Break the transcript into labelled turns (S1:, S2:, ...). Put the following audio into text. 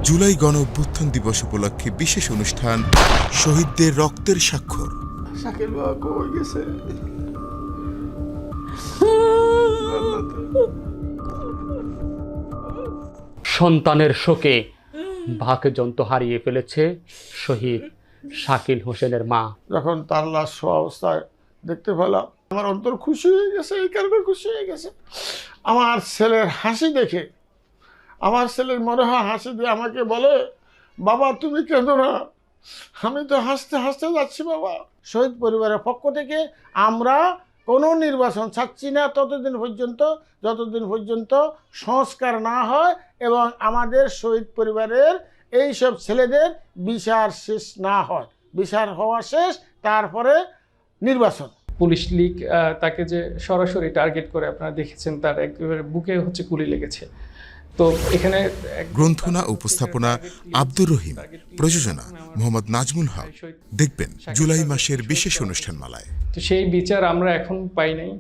S1: জুলাই গণ অভ্যুত্থান দিবস উপলক্ষে বিশেষ অনুষ্ঠান শহীদদের রক্তের স্বাক্ষর।
S2: শাকিল বাবা কই গেছে?
S3: সন্তানের শোকে বাকযন্ত্র হারিয়ে ফেলেছে শহীদ শাকিল হোসেনের মা।
S2: যখন তার লাশ শোয়া অবস্থায় দেখতে পেলাম, আমার অন্তর খুশি হয়ে গেছে। এই কারণে খুশি হয়ে গেছে, আমার ছেলের হাসি দেখে। আমার ছেলের মনে হয় হাসি দিয়ে আমাকে বলে, বাবা তুমি কেঁদো না, আমি তো হাসতে হাসতে যাচ্ছি বাবা। শহীদ পরিবারের পক্ষ থেকে আমরা কোনো নির্বাচন চাচ্ছি না ততদিন পর্যন্ত, যতদিন পর্যন্ত সংস্কার না হয় এবং আমাদের শহীদ পরিবারের এই সব ছেলেদের বিচার শেষ না হয়। বিচার হওয়া শেষ, তারপরে নির্বাচন।
S4: পুলিশ লীগ তাকে যে সরাসরি টার্গেট করে আপনারা দেখেছেন, তার একেবারে বুকে হচ্ছে গুলি লেগেছে। তো এখানে
S1: গ্রন্থনা উপস্থাপনা আব্দুর রহিম, প্রযোজনা মোহাম্মদ নাজমুল হক। দেখবেন জুলাই মাসের বিশেষ অনুষ্ঠানমালায়।
S4: তো সেই বিচার আমরা এখন পাই নাই।